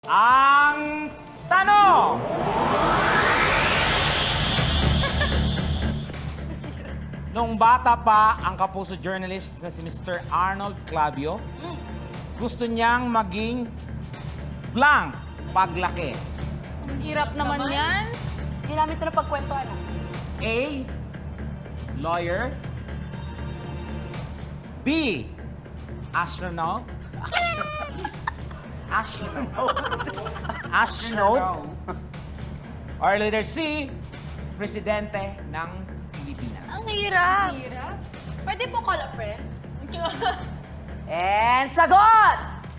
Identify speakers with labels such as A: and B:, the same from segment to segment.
A: Ang tanong! Nung bata pa ang kapuso journalist na si Mr. Arnold Clavio, gusto niyang maging blank paglaki.
B: Hirap naman yan.
C: Hindi namin ito napagkwentuhan.
A: A. Lawyer. B. Astronaut. Astronaut. Or letter C. Presidente ng Pilipinas.
B: Ang hirap.
C: Pwede po call a friend?
D: And sagot!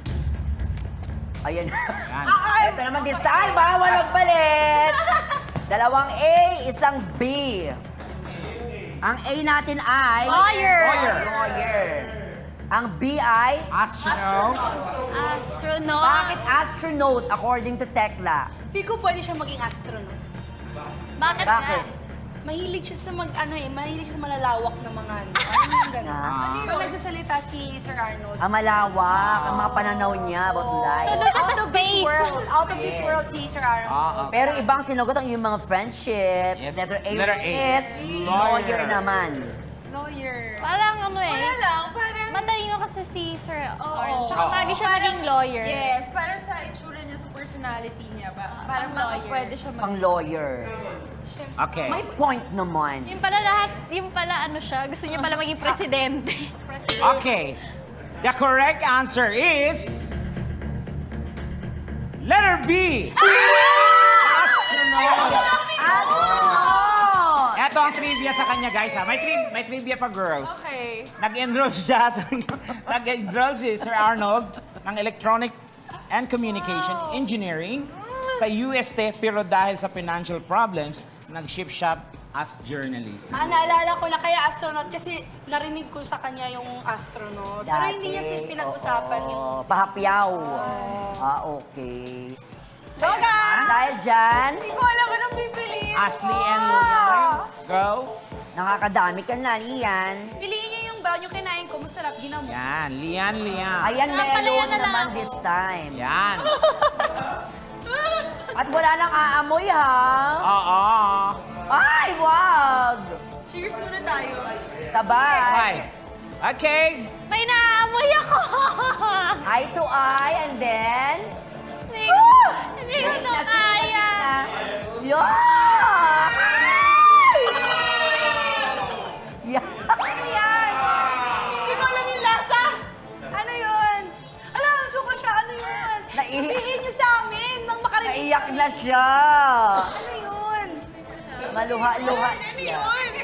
D: Ayan.
A: Yan.
D: Ito naman this time, ha? Walang palit. Dalawang A, isang B. Ang A natin ay...
B: Lawyer.
D: Lawyer. Ang B ay...
A: Astronaut.
B: Astronaut.
D: Bakit astronaut according to Tekla?
C: Feel ko pwede siya maging astronaut.
B: Bakit?
D: Bakit?
C: Mahilig siya sa mahilig siya sa malalawak na mga ano. Ano yung gano'n?
D: Ah.
C: Pag nagsasalita si Sir Arnold.
D: Ang malawak, ang mga pananaw niya about
B: So
D: life.
B: doon siya sa space.
C: Out of this world si Sir Arnold.
D: Pero ibang sinagot ang yung mga friendships.
A: Yes.
D: Letter A,
A: Letter
D: which
A: A.
D: is lawyer naman.
E: Lawyer.
B: Parang ano eh.
E: Wala lang, parang...
B: Matalino kasi si Sir
E: Oo.
B: Arnold. Tsaka
A: Oo.
B: lagi siya naging lawyer.
E: Yes, parang sa itsura niya, sa personality niya ba? Parang
B: pang lawyer.
E: pwede siya
D: Pang lawyer.
A: Okay.
D: May point naman.
B: Yung pala lahat, yung pala ano siya, gusto niya pala maging presidente.
A: Okay. The correct answer is... Letter B. Astronaut.
D: Astronaut!
A: Ito ang trivia sa kanya, guys. Ha? May trivia pa, girls.
E: Okay.
A: Nag-enroll siya nag-enroll si Sir Arnold ng Electronic and Communication Engineering sa UST, pero dahil sa financial problems, nag-ship shop as journalist.
C: Naalala ko na kaya astronaut kasi narinig ko sa kanya yung astronaut. Pero hindi niya pinag-usapan yung...
D: Oo, pahapyaw. Okay.
C: Joga!
D: Dahil dyan,
E: Hindi ko alam anong pipiliin.
A: Ashley and Leon, go.
D: nakakadami ka na, Lian.
C: Piliin niyo yung brown yung kinain ko. Masarap, ginamo.
A: Yan, Lian.
D: Ayan,
B: Pala
D: melon
B: yan na lang
D: naman
B: ako.
D: this time.
A: Yan.
D: At wala nang aamoy, ha?
A: Oo.
D: Ay, wag!
E: Cheers muna tayo.
D: Sabay.
A: Bye. Okay.
B: May naamoy ako!
D: Eye to eye, and then...
B: Hindi ko to
D: Nasip na, sip
B: kaya.
D: na. Yuck! Yeah.
C: Ano yan? Hindi ko alam yung lasa. Ano yun? Alam, suko siya. Ano yun?
D: Naihi-
C: Sabihin niyo sa amin nang makarinig.
D: Naiyak na siya.
C: Ano yun?
D: Maluha-luha siya.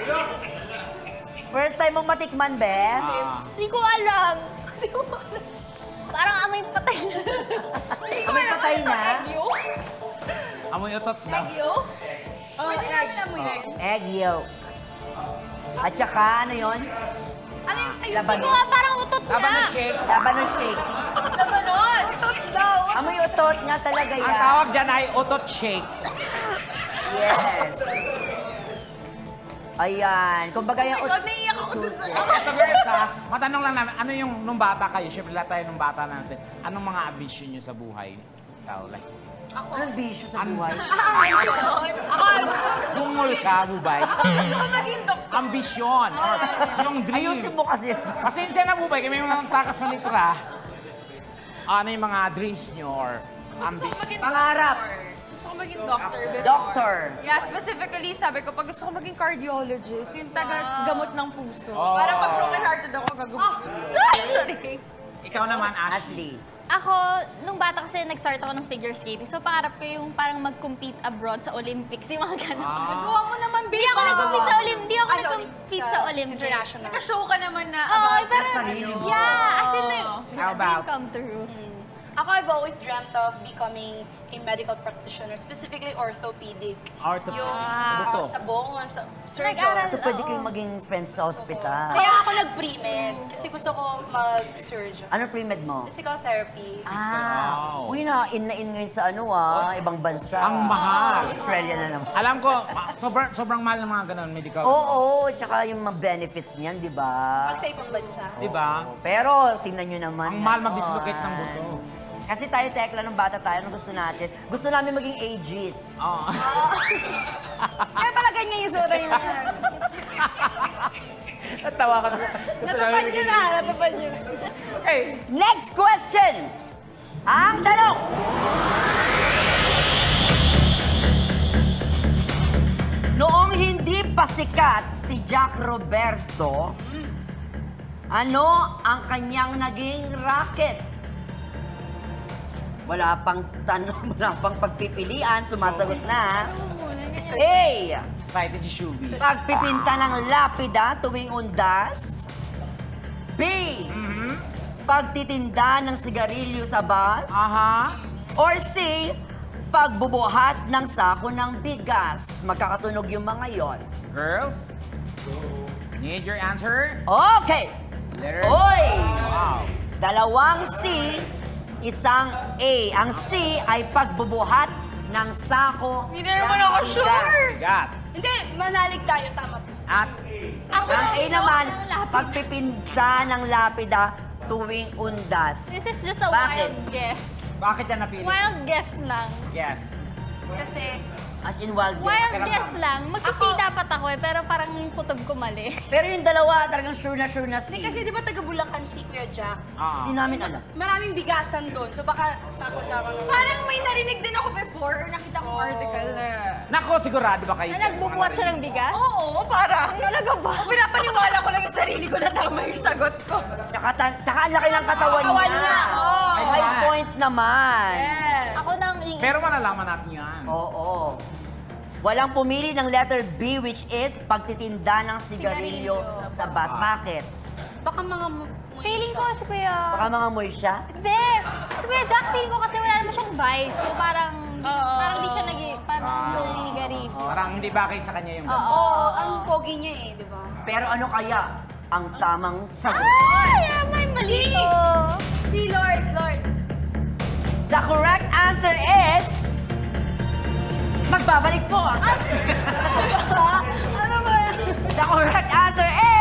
D: First time mong matikman, Be?
B: Hindi ko alam. Parang amoy patay na.
D: Amoy patay na.
A: Amoy utot daw.
C: Pwede namin amoy.
D: Egg yolk. At saka, ano yun?
C: Ano yung sa'yo?
D: Laban.
B: Hindi ko nga parang utot
A: Laban
B: na.
A: ng shake.
D: Labanos shake.
C: Labanos! Ito daw.
D: Amoy utot nga talaga
A: Ang
D: yan.
A: tawag dyan ay utot shake.
D: Yes. Ayan. Kumbaga yung
E: Naiiyak ako dun sa...
A: Ito, girls, ha? Matanong lang namin, ano yung nung bata kayo? Siyempre, lahat tayo nung bata natin. Anong mga ambisyon nyo sa buhay? Ikaw, like,
D: Anong bisyo sa buhay?
A: sungol ka, bubay? Ambisyon. Or yung dream.
D: Ayusin mo kasi.
A: Pasensya na, bubay. Kami mga takas na litra. Ano yung mga dreams nyo or ambition?
D: Pangarap.
E: Gusto ko maging doctor before.
D: Doctor.
E: Yeah, specifically, sabi ko, pag gusto ko maging cardiologist, yung taga-gamot ng puso.
A: Oh.
E: Para pag broken-hearted ako, gagamot ng puso. Sorry.
A: Ikaw naman, Ashley.
D: Ashley.
B: Ako, nung bata kasi nag-start ako ng figure skating. So pangarap ko yung parang mag-compete abroad sa Olympics, yung mga gano'n.
C: Nagawa mo naman, babe.
B: Hindi ako nag-compete sa Olympics. Hindi ako
C: Ay,
B: nag-compete sa Olympics.
C: International.
E: Naka-show ka naman na
B: Oo,
E: about
B: pero,
D: sarili mo.
B: yeah, as in,
A: How
B: dream
A: about?
B: come true.
C: Ako, I've always dreamt of becoming a medical practitioner, specifically orthopedic.
A: Orthopedic.
C: Yung
A: Sa buto.
C: sa bone, sa surgeon.
B: Nag-aral.
D: So pwede
B: Oo.
D: kayong maging friends sa ospital.
C: Kaya ako nag-pre-med kasi gusto ko mag-surgeon.
D: Ano pre-med mo?
C: Physical therapy.
D: Ah,
A: Wow.
D: uy na in ngayon sa ano ibang bansa.
A: Ang mahal.
D: Australia na naman.
A: Alam ko, sobrang mahal ng mga ganun, medical.
D: Oo, tsaka yung mga benefits niyan, di ba?
C: Pag sa ibang bansa.
A: Di ba?
D: Pero tingnan nyo naman.
A: Ang mahal mag-dislocate ng buto.
D: Kasi tayo, Tekla, nung bata tayo, nung gusto natin, gusto namin maging ages.
A: Oo.
C: Kaya pala ganyan yung sura niya.
A: Natawa ka na.
C: Natupad niyo na, natupad niyo na.
A: Okay.
D: Next question! Ang tanong! Noong hindi pa sikat si Jack Roberto, ano ang kanyang naging racket? Wala pang tanong, wala pang pagpipilian, sumasagot na. A.
A: Excited si Shubi.
D: Pagpipinta ng lapida tuwing undas. B. Pagtitinda ng sigarilyo sa bus.
A: Aha.
D: Or C. Pagbubuhat ng sako ng bigas. Magkakatunog yung mga yon.
A: Girls, need your answer?
D: Okay!
A: Letter.
D: Oy!
A: Wow.
D: Dalawang C, isang A. Ang C ay pagbubuhat ng sako
E: Hindi na naman ako
D: ng
E: sure.
D: bigas.
A: Gas.
C: Hindi, manalig tayo, tama po.
A: At
B: Ako
D: Ang A
B: yung
D: naman,
B: ng lapid.
D: pagpipinta ng lapida tuwing undas.
B: This is just a
D: Bakit?
B: wild guess.
A: bakit yan napili?
B: Wild guess lang.
A: Guess.
C: Kasi,
D: As in wild guess.
B: Wild
A: Pero-
B: guess lang. Magsisi dapat ako eh, pero parang yung kutob ko mali.
D: Pero yung dalawa, talagang sure na C.
C: hindi kasi di ba taga Bulacan si Kuya Jack?
A: Ah.
D: Hindi namin alam.
C: Maraming bigasan doon, so baka sako-sako naman.
E: Parang may narinig din ako before or nakita ko article na...
A: Nako, sigurado ba kayo?
B: Na nagbubuhat siya ng bigas?
E: Oo, parang.
B: Talaga ba?
E: Pinapaniwala ko lang yung sarili ko na tama yung sagot ko.
D: Tsaka ang laki ng katawan
C: Katawan
D: niya.
C: niya,
E: oo.
D: May point naman.
E: Yes.
B: Ako nang
A: Pero malalaman natin yan.
D: Oo. Walang pumili ng letter B, which is pagtitinda ng sigarilyo sa bus. Bakit?
C: Baka mga
B: feeling ko si Kuya...
D: Baka mga moy siya?
B: Hindi! Si Kuya Jack, feeling ko kasi wala naman siyang vice. So parang... Parang di siya parang siya naninigarip.
A: Parang hindi bagay sa kanya yung
C: Oo, ang pogi niya eh, di ba?
D: Pero ano kaya ang tamang sagot?
B: Ay! May mali to!
C: Si Lord.
D: The correct answer is... Magbabalik po.
C: Ano ba yan?
D: The correct answer is...